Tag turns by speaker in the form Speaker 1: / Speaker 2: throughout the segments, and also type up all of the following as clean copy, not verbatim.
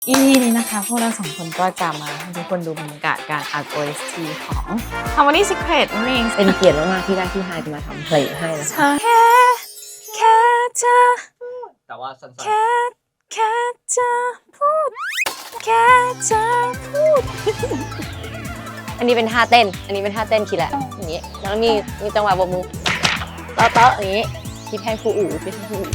Speaker 1: EP นี้นะคะพวกเราสองคนก็จะมาให้ทุกคนดูบรรยากาศการอัด OST ของ Harmony Secret นั่นเอง
Speaker 2: เป็นเกียรติมากๆที่ได้พี่ไฮมาทำเพลงให้นะคะ
Speaker 1: แค่เธอ
Speaker 3: แต่ว่าสั้นๆ
Speaker 1: แค่เธอพูดแค่เธอพูด
Speaker 2: อันนี้เป็นท่าเต้นคิดแหละอย่างนี้แล้วมีจังหวะบกมือเตาะอย่างนี้คิดให้ครูอู๋คิดให้ครูอู๋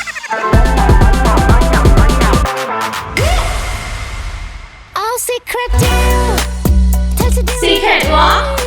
Speaker 1: Secretวะ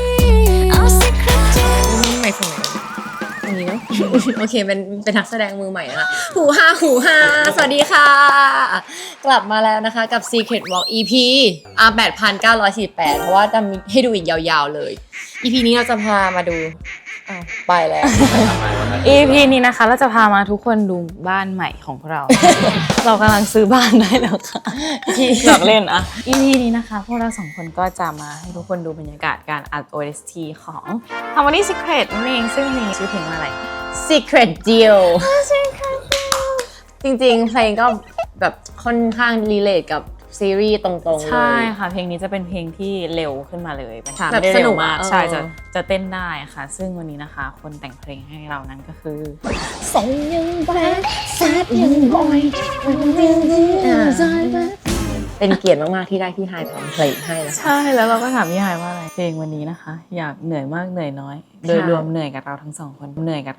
Speaker 2: ไม่ฟังอันนี้เนาะ โอเคเป็นนักแสดงมือใหม่นะคะหูฮาสวัสดีค่ะกลับมาแล้วนะคะกับ Secret Walk EP 8,948เพราะว่าจะมีให้ดูอีกยาวๆเลย EP นี้เราจะพามาดูไปแล้ว
Speaker 1: EP นี้นะคะเราจะพามาทุกคนดูบ้านใหม่ของเรา เรากำลังซื้อบ้านได้แล้วค่ะหลอกเล่นอะ EP นี้นะคะพวกเราสองคนก็จะมาให้ทุกคนดูบรรยากาศการอัด OST ของ Harmony Secret นั่นเองซึ่งมีชื่อเพลงว่าอะไร
Speaker 2: Secret Deal จริงๆเพลงก็แบบค่อนข้างรีเลทกับซีรีส์ตรงๆเลย
Speaker 1: ใช่ค่ะเพลงนี้จะเป็นเพลงที่เร็วขึ้นมาเลย
Speaker 2: แบบสนุกมาก
Speaker 1: ใช่จะเต้นได้ค่ะซึ่งวันนี้นะคะคนแต่งเพลงให้เรานั้นก็คือ
Speaker 2: ส่งยังแบดแซดยังบอยเป็นเกียรติมากๆที่ได้พี่ไฮทำเพลงให้นะคะ
Speaker 1: ใช่แล้วเราก็ถามพี่ไฮว่าอะไรเพลงวันนี้นะคะอยากเหนื่อยมากเหนื่อยน้อยโดยรวมเหนื่อยกับเราทั้งสองคน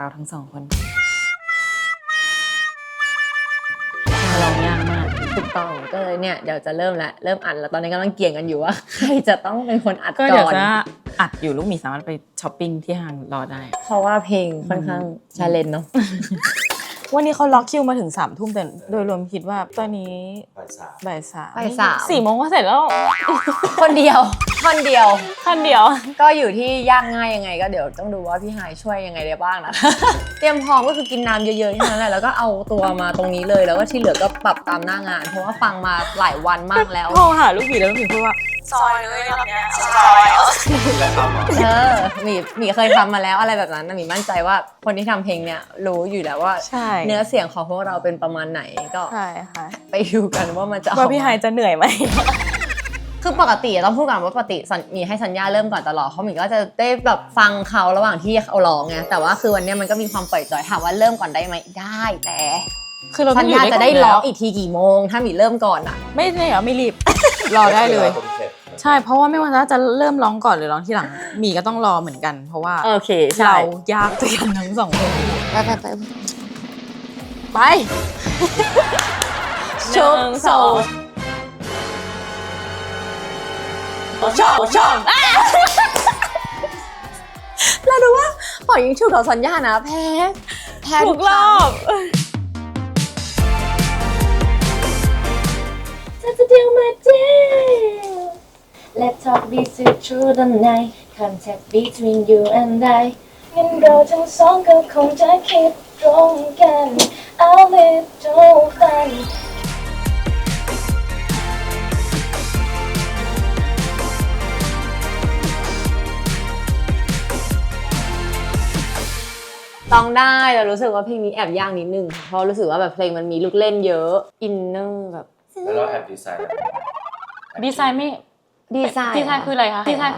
Speaker 1: ร้องยากมาก
Speaker 2: ถูกต้องก็เลยเนี่ยเดี๋ยวจะเริ่มอัดแล้วตอนนี้กำลังเกี่ยงกันอยู่ว่าใครจะต้องเป็นคนอัดก่อน
Speaker 1: ก็เดี๋ยวจะอัดอยู่ลูกหมีสามารถไปช้อปปิ้งที่ห้างรอได้
Speaker 2: เพราะว่าเพลงค่อนข้างชาเลนจ์เนาะ
Speaker 1: วันนี้เขาล็อกคิวมาถึง3 ทุ่มแต่โดยรวมคิดว่าตอนนี้บ่ายสาม4 โมงก็เสร็จแล้ว
Speaker 2: คนเดียว
Speaker 1: ก็
Speaker 2: อยู่ที่ยากง่ายยังไงก็เดี๋ยวต้องดูว่าพี่ไฮช่วยยังไงได้บ้างนะ เตรียมพร้อมก็คือกินน้ำเยอะๆแค่นั้นแหละแล้วก็เอาตัวมาตรงนี้เลยแล้วก็ที่เหลือก็ปรับตามหน้างานเพราะว่าฟังมาหลายวันมากแล้ว
Speaker 1: โทรหาลูกหมีแล้วลูกหมีพูดว่าซอยเลยรอบเนี้ยซอย
Speaker 2: หมีเคยทำมาแล้วอะไรแบบนั้นหมีมั่นใจว่าคนที่ทำเพลงเนี่ยรู้อยู่แล้วว่าเนื้อเสียงของพวกเราเป็นประมาณไหนก็
Speaker 1: ใช่ค่ะ
Speaker 2: ไปดูกันว่ามันจะ
Speaker 1: ว่าพี่ไฮจะเหนื่อยไหม
Speaker 2: คือปกติต้องพูดก่อนว่าปกติมีให้สัญญาเริ่มก่อนตลอดเขาหมีก็จะได้แบบฟังเขาระหว่างที่เขาร้องไงแต่ว่าคือวันนี้มันก็มีความปล่อยจอยถามว่าเริ่มก่อนได้ไหมได้แต่
Speaker 1: คือเรา
Speaker 2: สัญญาจะได้ร้องอีกทีกี่โมงถ้าหมีเริ่มก่อนอ่ะ
Speaker 1: ไม่เหรอไม่รีบรอได้เลยใช่เพราะว่าไม่ว่าจะเริ่มร้องก่อนหรือร้องทีหลังมีก็ต้องรอเหมือนกันเพราะว่า
Speaker 2: โอเค
Speaker 1: เรายากด้วยกันทั้งสองคนไป
Speaker 2: ชมโซชมเราดูว่าปล่อยยิงถูกกับสัญญานะแพ้
Speaker 1: ทุกรอบ
Speaker 4: Let's deal my deal Let's talk this through the night Contact between you and I งั้นเราทั้งสองก็คงจะคิดตรงกัน I'll live to fun
Speaker 2: ต้องได้แต่รู้สึกว่าเพลงนี้แอบยากนิดนึงเพราะรู้สึกว่าแบบเพลงมันมีลูกเล่นเยอะอินเนอร์แบบ
Speaker 3: แล้วเราแอบดีไซน์
Speaker 1: ดีไซน์ไม่
Speaker 2: ดีไซน์
Speaker 1: คืออะไรคะดีไซน์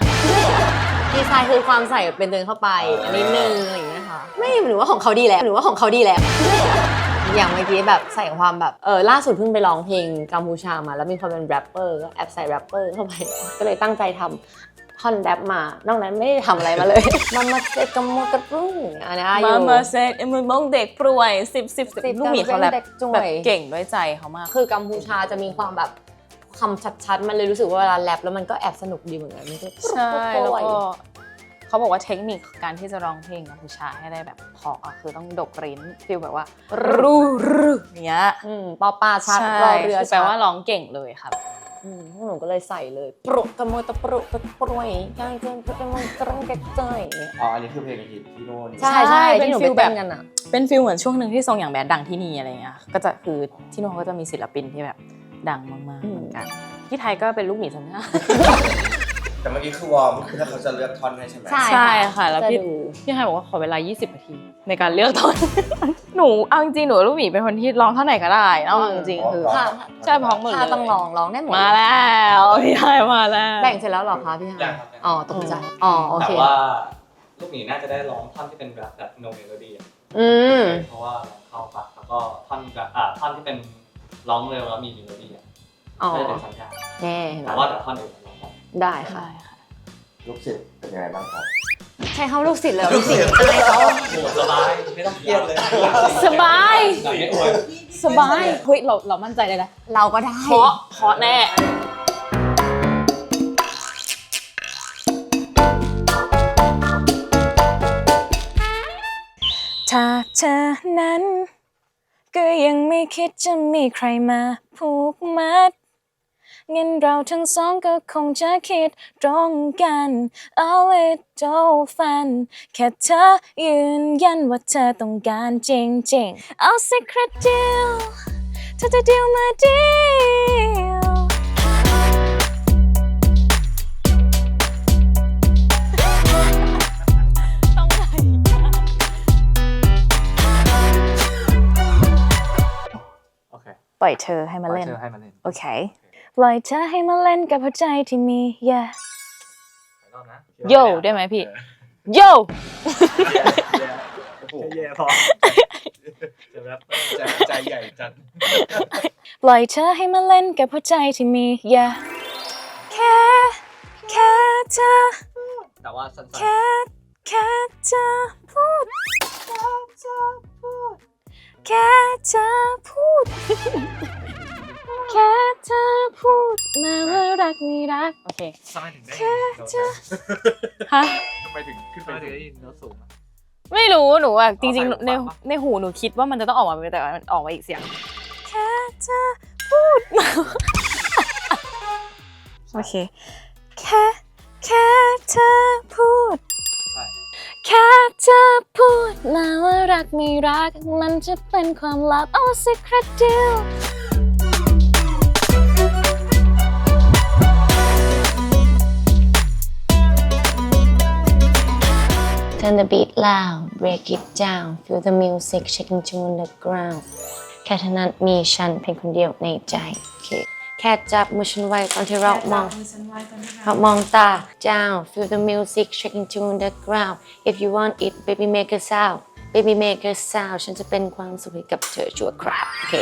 Speaker 2: คือความใส่เป็นเดินเข้าไปอันนี้นึงอะไรอย่างเงี้ยค่ะไม่หรือว่าของเขาดีแล้วอย่างเมื่อกี้แบบใส่ความแบบล่าสุดเพิ่งไปร้องเพลงกัมพูชามาแล้วมีความเป็นแรปเปอร์ก็แอบใส่แรปเปอร์เข้าไปก็เลยตั้งใจทำท่อนแรปมานอกนั้นไม่ได้ทำอะไรมาเลยมาเซ็ตกำมกระปุ้งอันนี้อยู่
Speaker 1: มาเซ็ตมือมงเด็กป่วย10ลูกหมีเขาแบบเก่งด้วยใจเขามาก
Speaker 2: คือกัมพูชาจะมีความแบบคำชัดๆมันเลยรู้สึกว่าเวลาแรปแล้วมันก็แอบสนุกดีเหมือนกัน
Speaker 1: ใช่แล้วก็เขาบอกว่าเทคนิคการที่จะร้องเพลงกัมพูชาให้ได้แบบพอคือต้องดกริ้นฟีลแบบว่ารูเนี้ย
Speaker 2: ปอปาชัดรอเรือ
Speaker 1: แปลว่าร้องเก่งเลยครับ
Speaker 2: พวกหนูก็เลยใส่เลยปรุกระโมยตะปรุกปรวยย่างเกินกระโมยกระงกระเจย
Speaker 3: อ๋ออันนี้คือเพลงฮิตที่โน่น
Speaker 2: ใช่เป็นฟิลแบบกันอะ
Speaker 1: เป็นฟิลเหมือนช่วงหนึ่งที่ทรงอย่างแบดดังที่นี่อะไรเงี้ยก็จะคือที่โน่นก็จะมีศิลปินที่แบบดังมากๆเหมือนกันที่ไทยก็เป็นลูกหมีสัญญา
Speaker 3: แต่เมื่อกี้คือวอร์มคือถ้าเขาจะเลือกท่อนให้ใช่ไหม
Speaker 1: ใช่ค่ะแล้ว
Speaker 2: จะ
Speaker 1: พี่
Speaker 2: ดู
Speaker 1: ไฮบอกว่าขอเวลา20นาทีในการเลือกท่อน หนูเอาจริงๆหนูกับลูกหมีเป็นคนที่ร้องเท่าไหร่ก็ได้เอาจริงๆคือ
Speaker 2: ค่ะ
Speaker 1: ใช่พร้อมหมดเลย
Speaker 2: ถ้าต้องร้องได้หมด
Speaker 1: มาแล้วพี่ไฮมาแล้ว
Speaker 2: แบ่งเสร็จแล้วเหรอคะพี่ฮะ
Speaker 3: ยังครับ
Speaker 2: อ๋อตกใจอ๋อโอ
Speaker 5: แต่
Speaker 2: เค
Speaker 5: ว่าลูกหมีน่าจะได้ร้องท่อนที่เป็นแบบ no melody อะ
Speaker 2: อืม
Speaker 5: เพราะว่าเข้าปากแล้วก็ท่อนแบบท่อนที่เป็นร้องเร็วแล้วมี melody อ่ะ
Speaker 2: อ๋อ
Speaker 5: ก็จะเป็นสัญญาณ
Speaker 2: แน่เห็นไหม
Speaker 5: แต่ว่าแต่ท่อนอื่นร้องได้
Speaker 2: ได้ค่ะ
Speaker 3: ลูกศิษย์เป็นยังไงบ้างครับ
Speaker 2: ใช้คำลูกศิษย์เลยลูกศิษย์อะไรเขา
Speaker 5: โหสบายไม่ต้องเครียดเลย
Speaker 1: สบาย
Speaker 5: แบบไม่อวย
Speaker 1: สบายเฮ้ยเรามั่นใจเลยนะ
Speaker 2: เราก็ได้
Speaker 1: เคาะแน่ถ้าเธอนั้นก็ยังไม่คิดจะมีใครมาผูกมัดงั้นเราทั้งสองก็คงจะคิดตรงกัน A little fun แค่เธอยืนยันว่าเธอต้องการจริงๆเอาสักครั้งเดียวเธอจะเดียวมาเดียว ต้องไหน
Speaker 5: โอเค
Speaker 1: ปล่อยเธอให้มาเล่น
Speaker 5: เชิญให้มาเล่น
Speaker 1: โอเค ปล่อยเธอให้มาเล่นกับหัวใจที่มี yeah
Speaker 5: รอบนะ
Speaker 1: โยได้ไหมพี่ โย
Speaker 5: แย่พอจะแบบใจใหญ่จัด
Speaker 1: ปล่อยเธอให้มาเล่นกับหัวใจที่มี yeah แค่เธอ
Speaker 5: แต่ว่าสั้น
Speaker 1: แค่เธอพูดแค่เธอพูดแค่เธอพูดมาว่ารักไม่รักโอเค
Speaker 5: ๆทำไมถึงได้
Speaker 1: แค่เธอฮะ
Speaker 5: ทำไมถึงขึ้นไปได้ยินโน้ตสูงอะ
Speaker 1: ไม่รู้หนูอะจริง
Speaker 5: ใส่
Speaker 1: ๆ
Speaker 5: หู
Speaker 1: ใน
Speaker 5: ฟังปะ
Speaker 1: ในหูหนูคิดว่ามันจะต้องออกมาเป็นแต่ว่ามันออกมาอีกเสียงแค่เธอพูด โอเคแค่เธอพูด
Speaker 5: ใช่
Speaker 1: แค่เธอพูดมาว่ารักไม่รักมันจะเป็นความลับเอาสักครั้งเดียว
Speaker 2: Turn the beat loud, break it down, feel the music shaking to the ground แค่เท่านั้นมีฉันเพียงคนเดียวในใจแค่จับมือฉันไว้ตอนที่เรามองตา down, feel the music shaking to the ground if you want it baby make a sound baby make a sound ฉันจะเป็นความสุขให้กับเธอชั่วคราวโอเค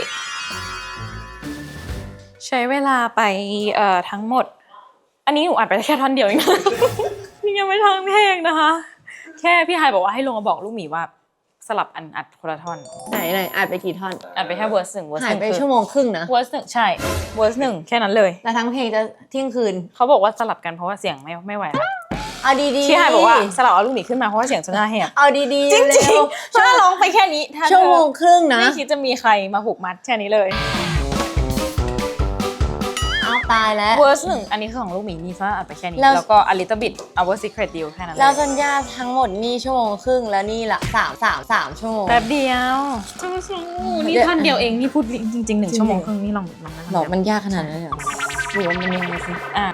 Speaker 1: ใช้เวลาไปทั้งหมด อันนี้หนูอัดไปแค่ท่อนเดียวเองนะ นี่ยังไม่ทั้งเพลงนะคะ แค่พี่ไฮบอกว่าให้ลงมาบอกลูกหมีว่าสลับอันอัดคนละท่อน
Speaker 2: ไหนอัดไปกี่ท่อน
Speaker 1: อัดไปแค่เวอร์สหนึ่งเวอร์ส
Speaker 2: หา
Speaker 1: ห
Speaker 2: ย
Speaker 1: นึ่ง
Speaker 2: ไปชั่วโมงครึ่งนะ
Speaker 1: เวอร์สหนึ่งใช่เวอร์สหนึ่งแค่นั้นเลย
Speaker 2: แล้วทั้งเพลงจะเที่ยงคืน
Speaker 1: เขาบอกว่าสลับกันเพราะว่าเสียงไม่ไหวแล้ว
Speaker 2: เอาดีๆ
Speaker 1: พี่ไฮบอกว่าสลับเอาลูกหมีขึ้นมาเพราะว่าเสียงจะน่าแหบ
Speaker 2: เอาดีๆ
Speaker 1: จริง
Speaker 2: เร็ว
Speaker 1: ๆถ้าร้องไปแค่นี้ถ้า
Speaker 2: ชั่วโมงครึ่งนะ
Speaker 1: ไม่คิดจะมีใครมาผูกมัดแค่นี้เลย
Speaker 2: เอาตายแล้ว
Speaker 1: เวอร์สหนึ่งอันนี้คือของลูกหมีนี่ฟ้าอัดไปแค่นี้
Speaker 2: แล้ว
Speaker 1: แล้วก็ a little bit our secret deal แค่นั้นเล
Speaker 2: แล้ว
Speaker 1: ย
Speaker 2: สัญญาทั้งหมดนี่ชั่วโมงครึ่งแล้วนี่ละ3 ชั่วโมง
Speaker 1: แป๊บเดียวนี่ท่อนเดียวเองนี่พูดจริงๆ1 ชั่วโมงครึ่งนี่ลองนั่ง
Speaker 2: หรอมันยากขนาดนั้นเลยเหรอหรือว่ามันยังไงสิ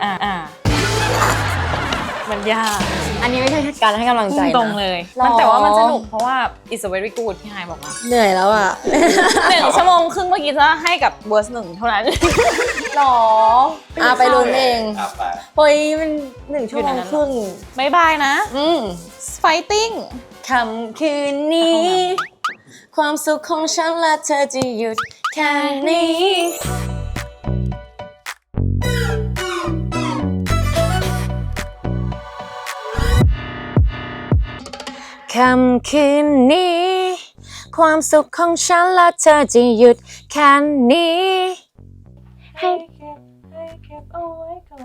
Speaker 1: มันยาก
Speaker 2: อันนี้ไม่ใช่การให้กำลังใจนะ
Speaker 1: ตรงเลย
Speaker 2: หรอ
Speaker 1: มันแต่ว่ามันสนุกเพราะว่า it's a very good พี่ไฮบอกมา
Speaker 2: เหนื่อยแล้วอ่ะ
Speaker 1: 1 ชั่วโมงครึ่งเมื่อกี้จะให้กับเวอร์สหนึ่งเท่านั้น
Speaker 2: หรอไปลุ้นเอง
Speaker 3: ไป
Speaker 2: เฮ้ยมัน1 ชั่วโมงครึ่ง
Speaker 1: บายบายนะ fighting
Speaker 2: ค่ำคืนนี้ ความสุขของฉันและเธอจะหยุดแค่นี้ ค่ำคืนนี้ ความสุขของฉันและเธอจะหยุดแค่นี้ให้เก็บเอาไว้ก่อน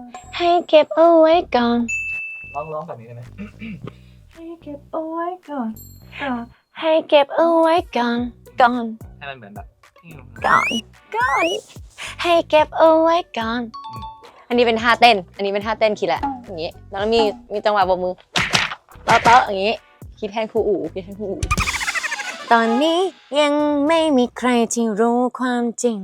Speaker 5: ร้องแบบนี้ได้ไหม
Speaker 2: ให้เก็บเอาไว้ก่อนให้มันเหมือนแบบ ก่อนให้เก็บเอาไว้ก่อน อันนี้เป็นท่าเต้นคิดแหละอย่างนี้แล้วมีจังหวะโบกมือเตะอย่างนี้คิดแทนครูอู๋ตอนนี้ยังไม่มีใครที่รู้ความจริง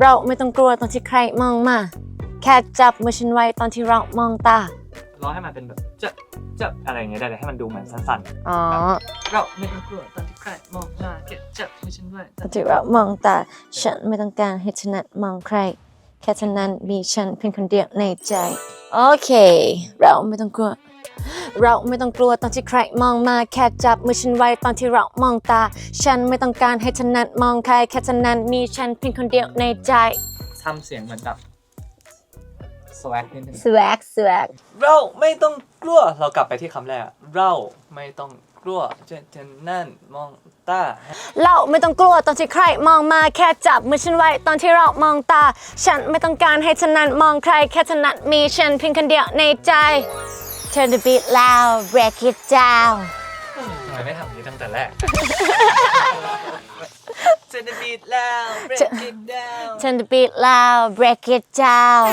Speaker 2: เราไม่ต้องกลัวตอนที่ใครมองมาแค่จับมือฉันไว้ตอนที่เรามองตา
Speaker 5: ร้องให้มันเป็นแบบจะอะไรอย่างเงี้ยได้เลยให้มันดูเหมือนสั้น
Speaker 2: อ๋อ
Speaker 5: ๆเราไม่ต้องกลัวตอนที่ใครมองมาแค่จับมือฉันไว้
Speaker 2: ตอนที่เรามองตาฉันไม่ต้องการให้ถนัดมองใครแค่เท่านั้นมีฉันเพียงคนเดียวในใจโอเคเราไม่ต้องกลัวเราไม่ต้องกลัวตอนที่ใครมองมาแค่จับมือฉันไว้ตอนที่เรามองตาฉันไม่ต้องการให้ถนัดมองใครแค่เท่านั้นมีฉันเพียงคนเดียวในใจ
Speaker 5: ทำเสียงเหมือนแบบสวักนิดนึง
Speaker 2: swag swag
Speaker 5: เราไม่ต้องกลัวเรากลับไปที่คำแรกเราไม่ต้องกลัวจะนั่นมองตา
Speaker 2: เราไม่ต้องกลัวตอนที่ใครมองมาแค่จับมือฉันไว้ตอนที่เรามองตาฉันไม่ต้องการให้ถนัดมองใครแค่ถนัดมีฉันเพียงคนเดียวในใจ Turn the beat loud break it down
Speaker 5: ทำไมไม่ทำนี้ตั้งแต่แรก Turn the beat loud break it down
Speaker 2: Turn the beat loud break it down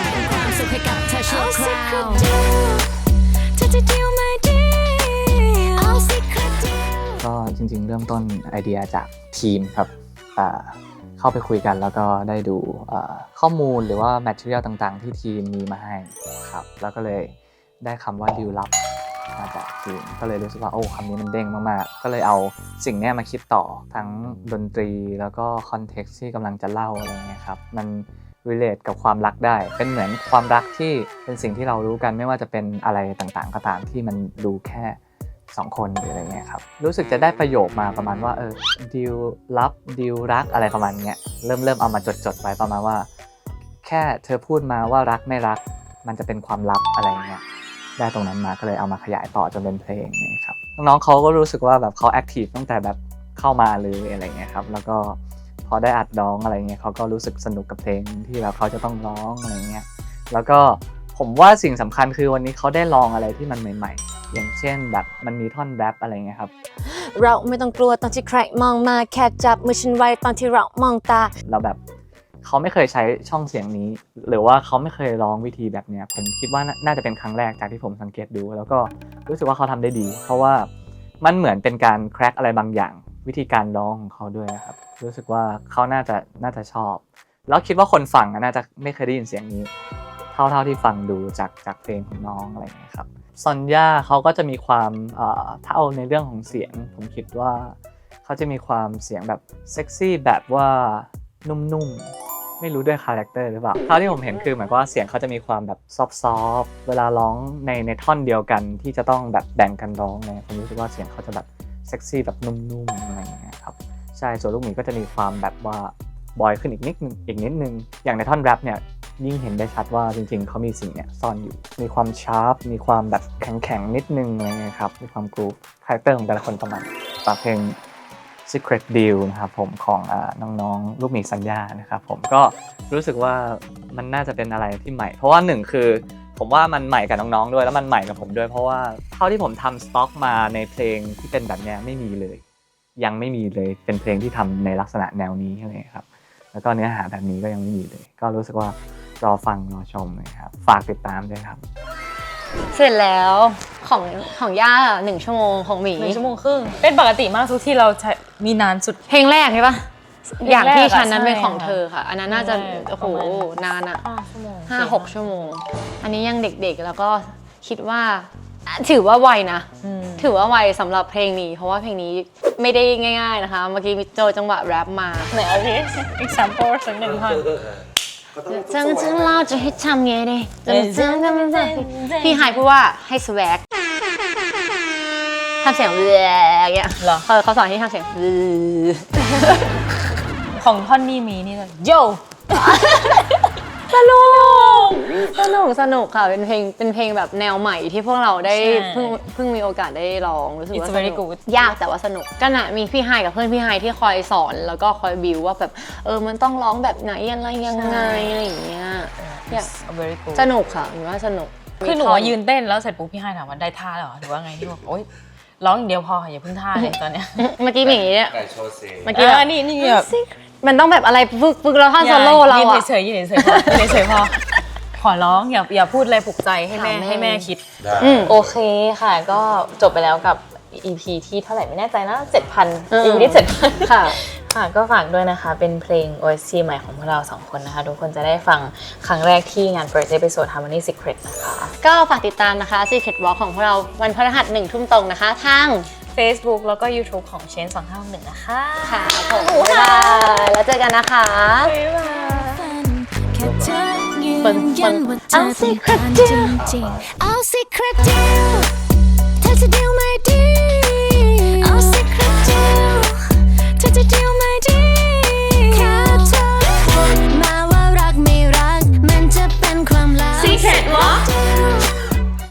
Speaker 6: ก็จริงๆเริ่มต้นไอเดียจากทีมครับเข้าไปคุยกันแล้วก็ได้ดูข้อมูลหรือว่า material ต่างๆที่ทีมมีมาให้ครับแล้วก็เลยได้คำว่าดีลลับมาจากทีมก็เลยรู้สึกว่าโอ้คำนี้มันเด้งมากๆก็เลยเอาสิ่งนี้มาคิดต่อทั้งดนตรีแล้วก็คอนเท็กซ์ที่กำลังจะเล่าอะไรเงี้ยครับมันrelate กับความรักได้เป็นเหมือนความรักที่เป็นสิ่งที่เรารู้กันไม่ว่าจะเป็นอะไรต่างๆก็ตามที่มันดูแค่2คนหรืออะไรเงี้ยครับรู้สึกจะได้ประโยคมาประมาณว่าดีลลับดีลรักอะไรประมาณเนี้ยเริ่มเอามาจดไว้ประมาณว่าแค่เธอพูดมาว่ารักไม่รักมันจะเป็นความลับอะไรเงี้ยได้ตรงนั้นมาก็เลยเอามาขยายต่อจนเป็นเพลงนี่ครับน้องๆเขาก็รู้สึกว่าแบบเขาแอคทีฟตั้งแต่แบบเข้ามาเลยอะไรเงี้ยครับแล้วก็พอได้อัดร้องอะไรเงี้ยเขาก็รู้สึกสนุกกับเพลงที่แบบเขาจะต้องร้องอะไรเงี้ยแล้วก็ผมว่าสิ่งสำคัญคือวันนี้เขาได้ลองอะไรที่มันใหม่ๆอย่างเช่นแบบมันมีท่อนแรปอะไรเงี้ยครับ
Speaker 2: เราไม่ต้องกลัวตอนที่ใครมองมาแค่จับมือฉันไว้ตอนที่เรามองตา
Speaker 6: เราแบบเขาไม่เคยใช้ช่องเสียงนี้หรือว่าเขาไม่เคยร้องวิธีแบบเนี้ยผมคิดว่าน่าจะเป็นครั้งแรกจากที่ผมสังเกตดูแล้วก็รู้สึกว่าเขาทำได้ดีเพราะว่ามันเหมือนเป็นการแคร็กอะไรบางอย่างวิธีการร้องของเขาด้วยครับรู้สึกว่าเขาน่าจะชอบแล้วคิดว่าคนฟังน่าจะไม่เคยได้ยินเสียงนี้เท่าที่ฟังดูจากเพลงของน้องอะไรอย่างเงี้ยครับซอนย่าเขาก็จะมีความถ้าเอาในเรื่องของเสียงผมคิดว่าเขาจะมีความเสียงแบบเซ็กซี่แบบว่านุ่มๆไม่รู้ด้วยคาแรคเตอร์หรือเปล่าเท่าที่ผมเห็นคือหมายความว่าเสียงเขาจะมีความแบบซอฟต์เวลาร้องในท่อนเดียวกันที่จะต้องแบบแบ่งกันร้องเนี่ยผมรู้สึกว่าเสียงเขาจะแบบเซ็กซี่แบบนุ่มๆอะไรอย่างเงี้ยครับใช่ส่วนลูกหมีก็จะมีความแบบว่าบอยขึ้นอีกนิดนึงอย่างในท่อนแรปเนี่ยยิ่งเห็นได้ชัดว่าจริงๆเขามีสิ่งเนี่ยซ่อนอยู่มีความชาร์ปมีความแบบแข็งนิดนึงอะไรเงี้ยครับมีความกรูฟคาแรคเตอร์ของแต่ละคนประมาณฝากเพลง Secret Deal นะครับผมของน้องๆลูกหมีสัญญานะครับผมก็รู้สึกว่ามันน่าจะเป็นอะไรที่ใหม่เพราะว่าหนึ่งคือผมว่ามันใหม่กับน้องๆด้วยแล้วมันใหม่กับผมด้วยเพราะว่าเท่าที่ผมทำสต็อกมาในเพลงที่เป็นแบบนี้ไม่มีเลยยังไม่มีเลยเป็นเพลงที่ทำในลักษณะแนวนี้อะไรครับแล้วก็เนื้อหาแบบนี้ก็ยังไม่มีเลยก็รู้สึกว่ารอฟังรอชมนะครับฝากติดตามด้วยครับ
Speaker 2: เสร็จแล้วของย่า1 ชั่วโมงของหมี
Speaker 1: 1 ชั่วโมงครึ่งเป็นปกติมากทุกที่เราใช้มีนานสุด
Speaker 2: เพลงแรกใช่ปะ
Speaker 1: เพลงแรก
Speaker 2: อย่างที่ฉันนั้น
Speaker 1: ใช่
Speaker 2: เป็นของ
Speaker 1: ค่ะ
Speaker 2: เธอค่ะ อันนั้นน่าจะ
Speaker 1: ใช่
Speaker 2: โอ้โห
Speaker 1: ประมาณ
Speaker 2: นานอะ
Speaker 1: 5 ชั่วโมง
Speaker 2: 5-6 ชั่วโมง อันนี้ยังเด็กๆแล้วก็คิดว่าถือว่าไวนะ ถือว่าไวสำหรับเพลงนี้เพราะว่าเพลงนี้ไม่ได้ง่ายๆนะคะเมื่อกี้มีโจจังหวะแรปมา
Speaker 1: ไหนเอาดิ example สักหนึ่งท่อน
Speaker 2: จังเราจะให้ทำไงดีพี่หายพูดว่าให้สแวกทำเสียงอย่างเงี้ย
Speaker 1: เหรอ
Speaker 2: เขาสอนให้ทำเสียง
Speaker 1: ของท่อนนี้มีนี่เลยโย
Speaker 2: สนุกค่ะเป็นเพลงแบบแนวใหม่ที่พวกเราได้
Speaker 1: ใช่
Speaker 2: เพิ่งมีโอกาสได้ลองรู้สึกว่า
Speaker 1: It's
Speaker 2: ส
Speaker 1: very
Speaker 2: นุก
Speaker 1: good
Speaker 2: ยากแต่ว่าสนุกก็น่ะมีพี่ไฮกับเพื่อนพี่ไฮที่คอยสอนแล้วก็คอยบิวว่าแบบมันต้องร้องแบบไหนอะไรยังไงอะไรอย่างเงี้ยอยาก
Speaker 1: It's very good
Speaker 2: สนุกค่ะหนูว่าสนุก
Speaker 1: คือหนูยืนเต้นแล้วเสร็จปุ๊บพี่ให้ถามว่าได้ท่าเหรอหรือว่าไงที่บอกโอ๊ยร้องอย่างเดียวพออย่าเพิ่งท่าเลยตอนเนี้ย
Speaker 2: เมื่อกี้มีอย่างงี้เนี่ย
Speaker 3: ไก่โชว์เสียง
Speaker 2: เมื่อกี้แบบ
Speaker 1: นี่แบบ
Speaker 2: มันต้องแบบอะไรฝึกแล้วท่อนโซโล่เรา
Speaker 1: ยืน
Speaker 2: อะ
Speaker 1: เฉยๆยืนเฉยๆพอยืนเฉยๆพอขอร้องอย่าพูดอะไรปลุกใจให้แม่
Speaker 2: ค่ะแม่
Speaker 1: ให้แม่คิด
Speaker 3: ได้
Speaker 1: โอเคค่ะก็จบไปแล้วกับ EP ที่เท่าไหร่ไม่แน่ใจนะ 7,000 EP ที่7,000
Speaker 2: ค่ะ
Speaker 1: ค่ะก็ฝากด้วยนะคะเป็นเพลง OST ใหม่ของพวกเรา2คนนะคะทุกคนจะได้ฟังครั้งแรกที่งาน First Episode Harmony Secret นะคะ
Speaker 2: ก็ฝากติดตามนะคะ Secret Walk ของพวกเราวันพฤหัส1 ทุ่มตรงนะคะทาง
Speaker 1: Facebook แล้วก็ YouTube ของ Change 2561นะคะ
Speaker 2: ค่ะผมบ๊ายบายแล้วเจอกันนะคะ
Speaker 4: แค่เธอยืนยันว่าเธอเป็นอันจริงๆเอา secret deal เธอจะ deal